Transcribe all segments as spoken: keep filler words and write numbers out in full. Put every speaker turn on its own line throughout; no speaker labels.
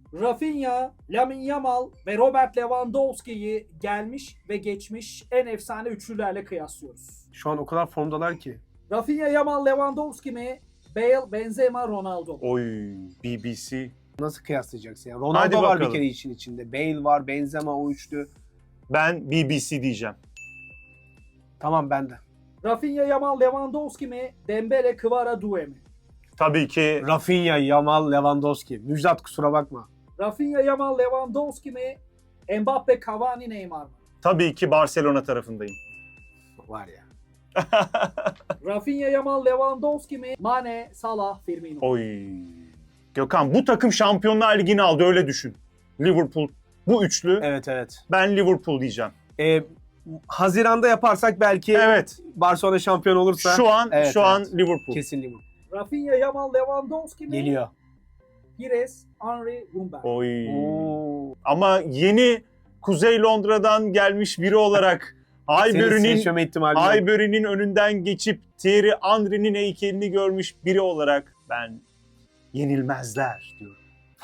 Rafinha, Lamine Yamal ve Robert Lewandowski'yi gelmiş ve geçmiş en efsane üçlülerle kıyaslıyoruz.
Şu an o kadar formdalar ki.
Rafinha, Yamal, Lewandowski mi? Bale, Benzema, Ronaldo mu?
Oy, B B C.
Nasıl kıyaslayacaksın? Yani
Hadi
Ronaldo var bir
bakalım.
kere işin içinde. Bale var, Benzema o üçlü.
Ben B B C diyeceğim.
Tamam ben de.
Rafinha, Yamal, Lewandowski mi? Dembele, Kvara, Due mi?
Tabii ki
Rafinha, Yamal, Lewandowski. Müjdat kusura bakma.
Rafinha, Yamal, Lewandowski mi? Mbappe, Cavani, Neymar mı?
tabii ki Barcelona tarafındayım.
Var ya.
Rafinha, Yamal, Lewandowski mi? Mane, Salah, Firmino.
Oy. Gökhan bu takım Şampiyonlar Ligi'ni aldı öyle düşün. Liverpool bu üçlü.
Evet evet.
Ben Liverpool diyeceğim.
Ee, Haziran'da yaparsak belki
Evet.
Barcelona şampiyon olursa.
Şu an
Evet,
şu an
evet.
Liverpool.
Kesin Liverpool.
Rafinha, Yamal, Lewandowski mi?
Geliyor.
Pires, Henry, Rumber.
Oy.
Oo.
Ama yeni Kuzey Londra'dan gelmiş biri olarak
Senin
Highbury'nin
seçme ihtimali yok.
Highbury'nin önünden geçip Thierry Henry'nin heykelini görmüş biri olarak ben yenilmezler diyorum.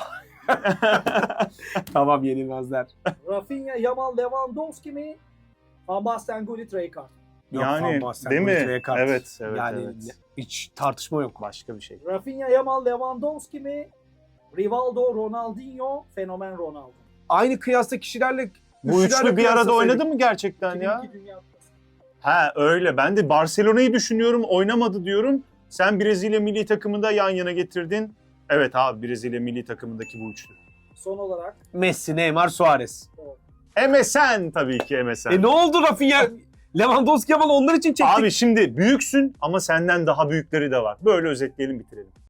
Tamam yenilmezler.
Rafinha, Yamal, Lewandowski mi? Van Basten, Gullit, Rijkaard.
Yok,
Yani,
Van Basten,
değil mi?
Gullit, Rijkaard.
Evet, evet,
Yani
evet.
hiç tartışma yok.
Başka bir şey.
Rafinha, Yamal, Lewandowski mi? Rivaldo, Ronaldinho, Fenomen Ronaldo.
Aynı kıyasta kişilerle
Bu
üçlülerle
üçlü bir arada
kıyaslasaydık-
oynadı mı gerçekten ya?
iki bin iki Dünya Kupası.
Ha öyle. Ben de Barcelona'yı düşünüyorum. Oynamadı diyorum. Sen Brezilya milli takımında yan yana getirdin. Evet abi Brezilya milli takımındaki bu üçlü.
Son olarak
Messi, Neymar, Suarez.
M S N tabii ki M S N.
E ne oldu Rafinha? Lewandowski Yamal onlar için çektik.
Abi şimdi büyüksün ama senden daha büyükleri de var. Böyle özetleyelim bitirelim.